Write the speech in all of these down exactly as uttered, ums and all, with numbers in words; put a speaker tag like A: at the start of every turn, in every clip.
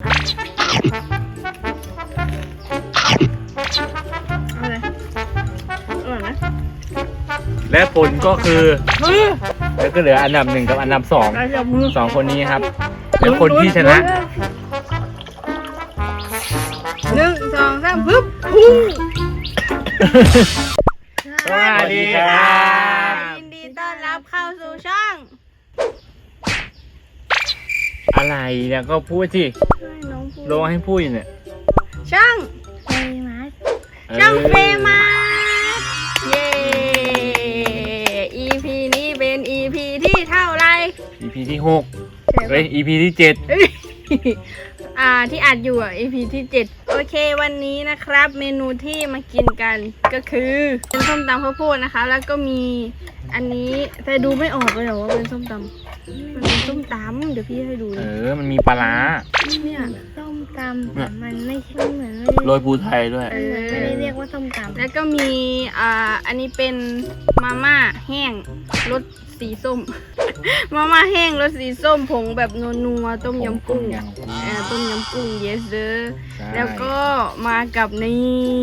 A: อะไรอร่อยไหม
B: และผลก็คือแล้วก็เหลืออันดับหนึ่งกับอันดับสองสองคนนี้ครับแล้วคนที่ชนะ
A: หนึ่งสองสามปึ๊บ
B: สวัสดีครับ
A: ยินดีต้อนรับเข้าสู่ช่อง
B: อะไรเนี่ยก็พูดสิ
A: ให้น้องพูด
B: ลงให้พูดอยู่เนี่ย
A: ช่องเฟมัสช่องเฟมัสเย้ อี พี นี้เป็น อี พี ที่เท่าไหร่
B: อี พี ที่หก
A: ใช่ปะ
B: เฮ้ย อี พี ที่เจ็ด
A: เอ้ยอ่าที่อัดอยู่อ่ะ อี พี ที่เจ็ดโอเควันนี้นะครับ เมนูที่มากินกันก็คือเป็นส้มตำข้าวโพดนะคะ แล้วก็มีอันนี้แต่ดูไม่ออกเลยเหรอว่าเป็นส้มตำมันเป็นส้มตำเดี๋ยวพี่ให้ดู
B: เออมันมีปลาร้า
A: เนี่ย
C: ส้มตำแต่มันไม่ใช่เหมือนไม่ได้
B: โรยภูไทยด้วย
A: เออ
C: ไม่ได้เรียกว่าส้มตำ
A: แล้วก็มีอ่าอันนี้เป็นมาม่าแห้งรสสีส้ม มาม่าแห้งรสสีส้มผงแบบนัวๆต้มยำกุ้ง
B: ต้มยำกุ้ง
A: เออต้มยำกุ้ง yes sir
B: ใช่
A: แล้วก็มากับนี่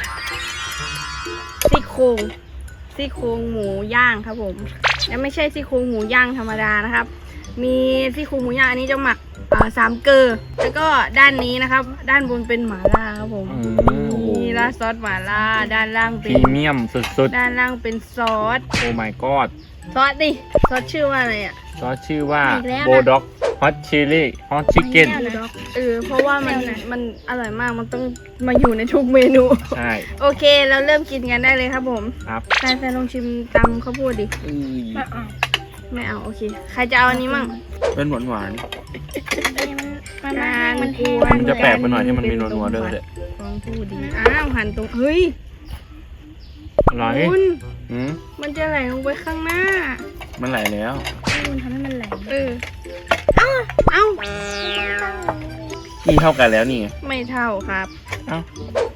A: ซี่โครงซี่โครงหมูย่างครับผมแล้วไม่ใช่ซี่โครงหมูย่างธรรมดานะครับ มีซี่โครงหมูย่างอันนี้จะหมักอ่าสามเกลือแล้วก็ด้านนี้นะครับ ด้านบนเป็นหม่าล่าครับผม
B: อืมโอ้โห
A: นี่ราดซอสหม่าล่าด้านล่าง
B: พ
A: เป็
B: รี
A: น
B: เมียมสุด
A: ด้านล่างเป็นซอส
B: ๆ โอ้ my god
A: ซอสดิซอสชื่อว่าอะไรอ่ะ
B: ก็ชื่อว่าโบด็อกฮอตชิลลี่ฮอตชิคเก้น
A: เออเพราะว่ามันมันอร่อยมากมันต้องมาอยู่ในทุกเมนู
B: ใช่
A: โอเคเราเริ่มกินกันได้เลยครับผม
B: ครับ
A: แฟนแฟนลองชิมตำข้าวโพดดิ
B: อืม
A: ไม่เอาโอเคใครจะเอาอันนี้มั่ง
B: เป็นหวานหวาน
C: มันมันแห้งมันแห้ง
B: มันจะแปลกไปหน่อยที่มันมีนัวๆด้วยเลย
A: ลองพูดดิอ้าวหันตรงเฮ้ย
B: อร่อย
A: คุณ
B: อืม
A: มันจะไหลลงไปข้างหน้า
B: มันไหลแล้ว
C: มันทำให้มันไหล
A: เออเอ้าเอ้า
B: นี่เท่ากันแล้วนี่ไง
A: ไม่เท่าครับ
B: เอ้า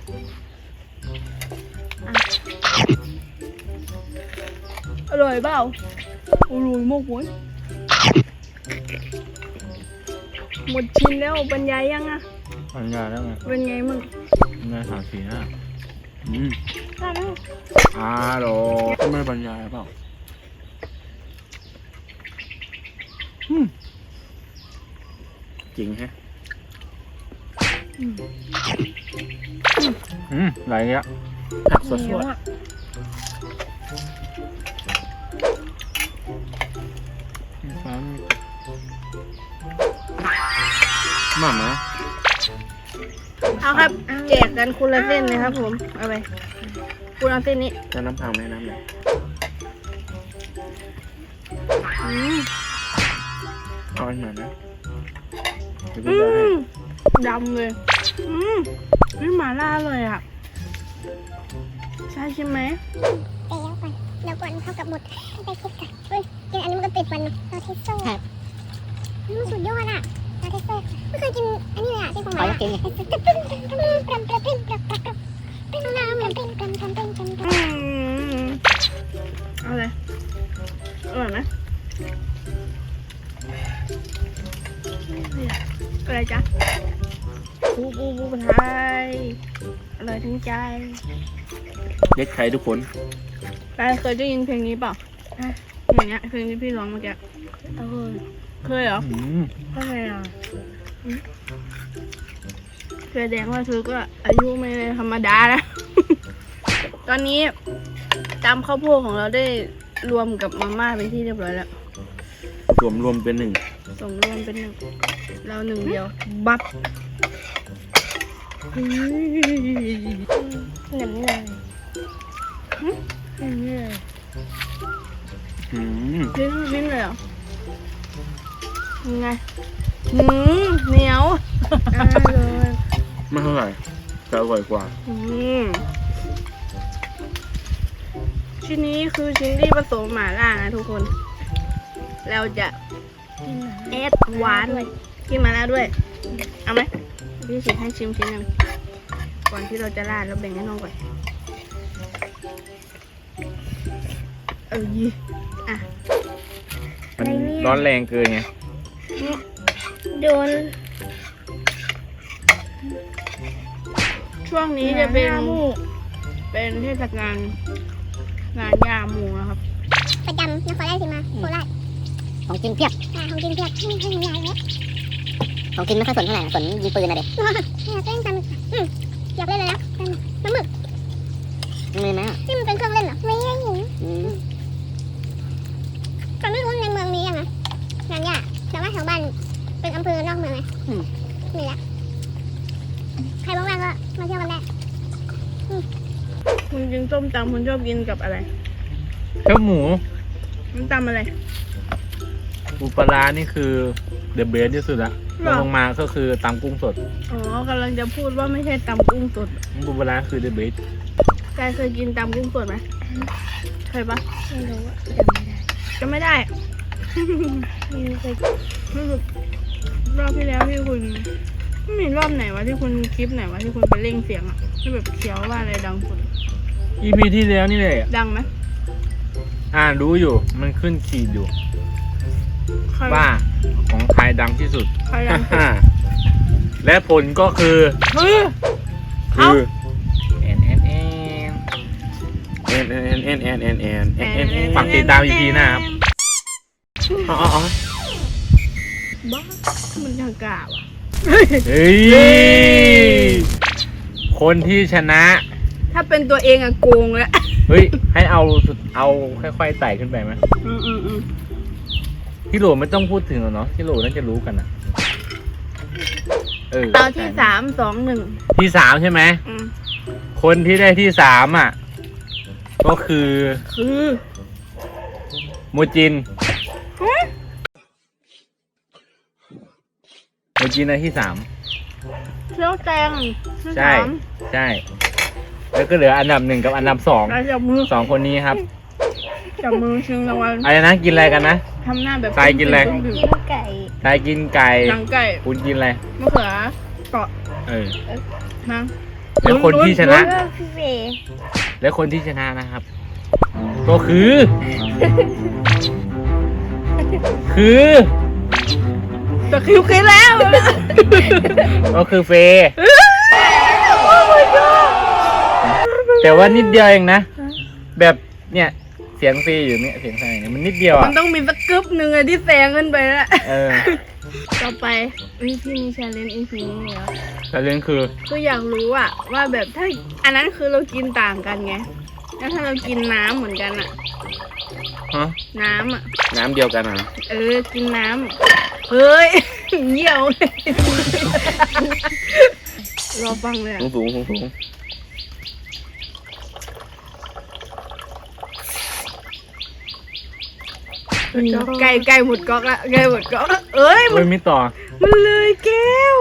A: อร่อยเปล่าอร่อยมากเว้ยหมดชิ้นแล้วบรรยายยังอะ
B: บรรยายแล้วไง
A: เป็นไงมั่ง
B: บรรยายสามสี่ห้าอืม
A: ได้ไหม
B: อาโรก็ไม่บรรยายเปล่าอืมจริงฮะอืมไหลเงี้ยผักสด
C: เหนียว
B: ๆ
C: อ่ะ
B: หม่ำนะ
A: เอาครับแจกกันคนละเส้นเลยครับผมเอาไปคุณเอาเส้นนี้
B: จะน้ำพังไหมน้ำไหล
A: อืม
B: เอาอันหน่อยนะเดี๋ยว
A: อื
B: พี่จะให้
A: มดำเลยอืมนี่หมาล่าเลยอ่ะใช่ใช่ไหม
C: เดี๋ยวก่อนเดี๋ยวก่อนเท่ากับหมดไปคิดกันเฮ้ยกินอันนี้มันก็ติดฟันเราเทสโซ่ครับมันสุดยอดอ่ะเราเทสโซ่ไม่เคยกินอันนี้เลยอ่ะที่ของหมากิน
A: อืมเอาเลยอร่อยไหมอะไรจ๊ะปูปูปูไทยอร่อยถึงใจ
B: เด็กใครทุกคน
A: ใครเคยได้ยินเพลงนี้เปล่าอย่างเงี้ยเพลงที่พี่ร้องเมื่อกี้
C: เออ
A: เคยเหรอ
B: อืม
C: ก็เลยอ่ะ
A: แสดงว่าเธอก็อายุไม่ธรรมดานะ ตอนนี้ตำข้าวโพดของเราได้รวมกับมาม่าเป็นที่เรียบร้อยแล้ว
B: รวมรวมเป็นหนึ่ง
A: ส่งรวมเป็นหนึ่งเราหนึ่งเดียว บับเฮ้ย
C: เหนียวเลยเหนียวเลย
B: อืม
A: ชิ้นชิ้นเลยเหรอยังไงหืมเหนียว
C: อร่อย
B: ไม่เท่าไหร่แต่อร่อยกว่า
A: อืมชิ้นนี้คือชิ้นที่ผสมหม่าล่านะทุกคน เราจะแอดหวานกินมาแล้วด้วย เอาไหมพี่ชิมให้ชิมชิ้นหนึ่งก่อนที่เราจะราดเราแบ่งให้น้องก่อนเออยี่อ่ะ
B: มันร้อนแรงเกินไง
C: โดน
A: ช่วงนี้จะเป็นเป็นเทศกาลงานยาหมูนะครับ
C: ประจำนครราชสีมาโคราช
D: ของกินเพียบ
C: อ่าของกินเพียบให้ให้ยายเยอะ
D: ของกินไม่ค่อยสนเท่าไหร่สนยิงปืนนะเด็ก
C: เนี่ยเล่นตามอืมอยากเล่นเลยนะเป็นน้ำหมึก
D: มีไหมอ่ะ
C: ที่มันเป็นเครื่องเล่นเหรอไม่ได้หิว
D: อืม
C: ก่อนไม่รู้ในเมืองมียังไงงานยากแต่ว่าแถวบ้านเป็นอำเภอนอกเมืองไงมีแล้วใครว่างๆก็มาเที่ยวกันได้
A: คุณกินส้มตำคุณชอบกินกับอะไร
B: เจ้าหมู
A: มันตำอะไร
B: ปูปลาร้านี่คือเดอะเบสที่สุดละ
A: หรอ
B: ลงมาก็คือตำกุ้งสด
A: อ๋อกำลังจะพูดว่าไม่ใช่ตำกุ้งสด
B: ปูปลาร้าคือเดอะเบส
A: กายเคยกินตำกุ้งสดไหมเคยปะ
C: ไม่รู้อะ
A: จะไม่ได้
C: ไม่เคย
A: รู้สึกรอบที่แล้วที่คุณไม่มีรอบไหนวะที่คุณคลิปไหนวะที่คุณไปเร่งเสียงอะที่แบบเขียวว่าอะไรดังสุด
B: อีพีที่แล้วนี่เลย
A: ดังไหม
B: อ่านรู้อยู่มันขึ้นขีดอยู่
A: ใคร
B: ว่าของใครดังที่สุด
A: ใครดังสุด
B: และผลก็คือ
A: เฮ้ย
B: คือแอนแอนแอนแอนแอนแอนแอนแอนแอนแอนแอนฝากติดตามอีพีหน้าครับอ๋ออ๋อ
A: บ้ามันทางกล่าวอะ
B: เฮ้ยคนที่ชนะ
A: ถ้าเป็นตัวเองอะโกงแล้ว
B: เฮ้ยให้เอาสุดเอาค่อยๆไต่ขึ้นไปไหม
A: อืมอืมอืม
B: ที่โหลไม่ต้องพูดถึงหรอกเนาะที่โหลน่าจะรู้กันอ่ะเออ
A: เอาที่สามสองหนึ่ง
B: ที่สามใช่ไหม
A: อืม
B: คนที่ได้ที่สามอ่ะ ก็คือ
A: คือ
B: โมจินโมจินได้ที่สาม
A: เที่ยวแตงที่
B: ใช่
A: สาม
B: ใช่ แล้วก็เหลืออันดับหนึ่งกับอันดับสอง
A: แล้วจับมือ
B: สองคนนี้ครับ
A: จับมือชิงรางวัล
B: อะไรนะกินอะไรกันนะ
A: ทำหน้าแบบ
B: ทรายกินอะไร
A: ปึ้ง
C: กินไก่
B: ทายกินไก่
A: หนังไก่
B: คุณกินอะไร
A: มะเขือเกาะ
B: เออ
A: มั้ง
B: แล้วคนที่ชนะ
C: เออพี่เฟย์
B: และคนที่ชนะนะครับ ก็คือ คือ
A: ตะคริวคิดแล้ว
B: ก็คือเฟย์แต่ว่านิดเดียวเองนะ แบบเนี่ยเสียงเฟย์อยู่เนี่ยเสียงใครเนี่ยมันนิดเดียว
A: มั
B: อ่ะ
A: นต้องมีสักกึ๊บหนึ่งอะที่แซงขึ้นไปแล้ว
B: เออ
A: ต่อไปวิธีมีแชร์เลนอีพีนี้แล้ว
B: แต่เรื่องคือ
A: คืออยากรู้อะว่าแบบถ้าอันนั้นคือเรากินต่างกันไงแล้วถ้าเรากินน้ำเหมือนกันอะ
B: ฮะ
A: น้ำอะ
B: น้ำเดียวกันอ่ะ
A: เออกินน้ำเฮ้ย เหี่ยวเลยรอฟังเลยอะ
B: สูงสูงสูงสูง
A: ไก่ไก่หมดก๊อกละไก่หมดก๊อกละเอ้ยมั
B: เฮ้
A: น
B: ยไม่ต่อ
A: มันเลยแก้ว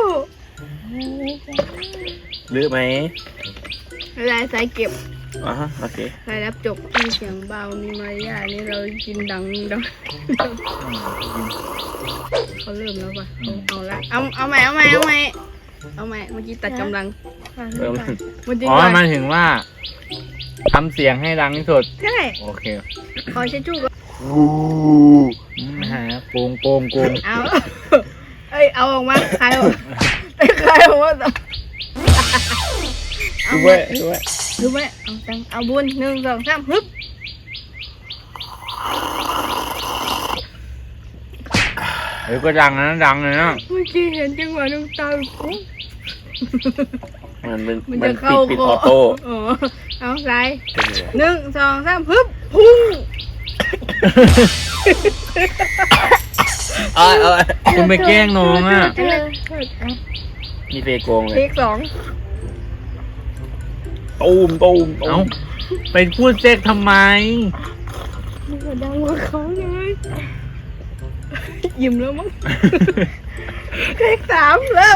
B: หรือไหม
A: ลายสายเก็บ
B: อ่าฮะโอเค
A: สายรับจบมีเสียงเบามีมารยาทนี่เรากินดังดังเขาเริ่มแล้วป่ะเอาเอาละเอาเอาใหม่เอาใหม่เอาใหม่เอาใหม่เมื่อกี้ตัดกำลัง
B: เออ
A: มันจริง
B: อ๋อ
A: ว่ะ
B: หมายถึงว่าทำเสียงให้ดังที่สุด
A: ใช่
B: โอเค
A: ขอเช็ดชู่ก่อน
B: นะฮะโกงโกงโกง
A: เอาเอ้ยเอาออกมาใครออกใครออกมาเอา
B: ดูไว้ดูไว้
A: ดูไว้เอาตังเอาบุญหนึ่งสองสามฮึบ
B: เฮ้ยก็ดังนะดังเลยนะ
A: เมื่อกี้เห็นจังหวะน้ำตาปุ๊บ
B: มันเป็น
A: มัน
B: มั
A: จะ
B: น
A: เข้า
B: ปิด
A: ค
B: ออโต้
A: อ๋อเอาไรหนึ่งสองสามฮึบพุ่ง
B: เอาเอาคุณไปแกล้งน้องอ่ะ
A: เออ
B: มีเฟโกงเล
A: เท
B: ย
A: คสอง
B: ตูมตูมเอ้าไปพูดเซ็กทำไม
A: มันก็ดังกว่าเขาไงยิ้มแล้วมั้งเทคสามเริ่ม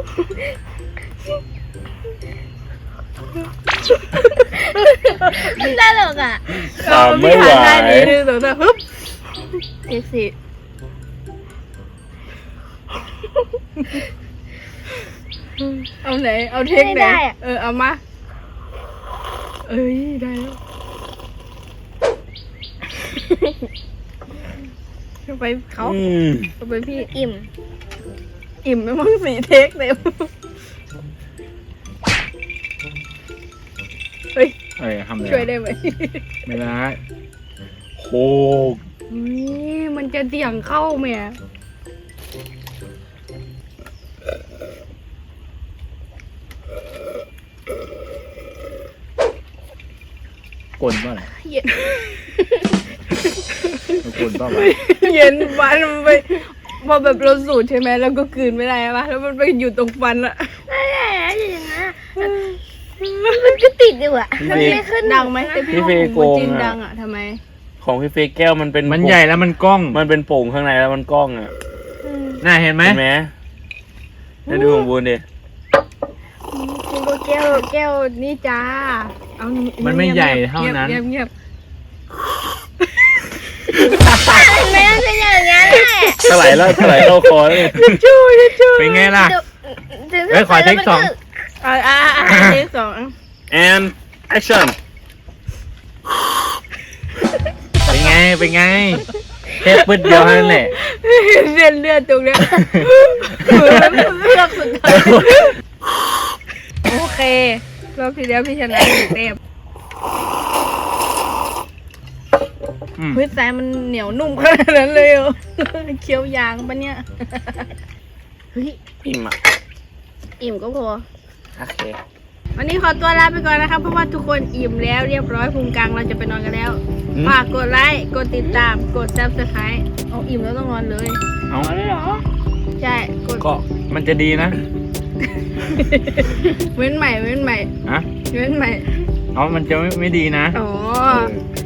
A: มันได้หรอกอ่ะ
B: ตามไม่ไหว
A: ได้ดีหนึ่งสองสามฮึบเทคสี่เอาไหน เอาเทคไหนเออ เอามา เอ้ย ได้แล้วไปเขา
B: อืม
A: ไปพี่อิ่ม อิ่มไม่มั้งสี่เทคเต็ม
B: เอ้ยทำเลย
A: ช่วยได้ไหม
B: ไม่ได้โคก
A: นี่มันจะเสี่ยงเข้าแม่
B: กลนป่ะอะไร
A: เย็น
B: กลนป่ะวะ
A: เย็นฟันมันไปพอแบบเราสูดใช่ไหมแล้วก็กลืนไม่ได้ปะแล้วมันไปอยู่ตรงฟันอะ
C: ไม่ได้อะอย่างนั้นอะมันก็ติดอยู่อะ
B: พี่
C: มัน
B: เฟ
C: ไม่
B: ย์
C: ขึ้น
A: ดังไหมแต่พี่
B: พี่
A: ว่า
B: เฟย์
A: ของ
B: โกง
A: จริง
B: อะ
A: ดังอะทำไม
B: ของพี่เฟย์แก้วมันเป็น
E: มันใหญ่แล้วมันกล้อง
B: มันเป็นโป่งข้างในแล้วมันกล้องอ่ะ
E: น่าเห็นไหม
B: เห็นไหมได้ดูของบูนดิ
A: กินก็แก้วแก้วนี่จ้าเอา
E: มันไม่ใหญ่เท่านั้น
A: เงียบเงียบ
C: แม่เป็นอย่างนั้นแหละ
B: ถลายแล้วถลายเข้าคอแล้วเนี่ย
A: ชูชู
E: เป็นไงล่ะ
C: ถึง
E: เอ้ยขอเทคสอง
A: อ่าอ่าอ่าเทคสอง
B: and action
E: เป็นไง เป็นไงแค่ปึ๊ดเดียวเท่านั้นแหละ
A: เลือดเลือดตรงเนี้ยเหมือนมันเลือกสุดท้ายโอเครอบที่แล้วพี่ชนะหนึ่งเต็ม
E: อืม
A: พื้นทรายมันเหนียวนุ่มขนาดนั้นเลยเหรอเคี้ยวยางปะเนี่ยเฮ้ย
B: อิ่มอ่ะ
A: อิ่มก็พอ
B: โอเค
A: วันนี้ขอตัวลาไปก่อนนะครับ เพราะว่าทุกคนอิ่มแล้วเรียบร้อยพุงกลางเราจะไปนอนกันแล้ว
B: อืม
A: ฝากกดไลค์กดติดตามกดซับสไครต์เอาอิ่มแล้วต้องนอนเลย
E: เอา
A: ใช่กด
E: ก็มันจะดีนะ
A: เว้นใหม่เว้นใหม่
E: ฮะ
A: เว้นใหม่
E: เอามันจะไม่ไม่ดีนะ
A: อ๋อ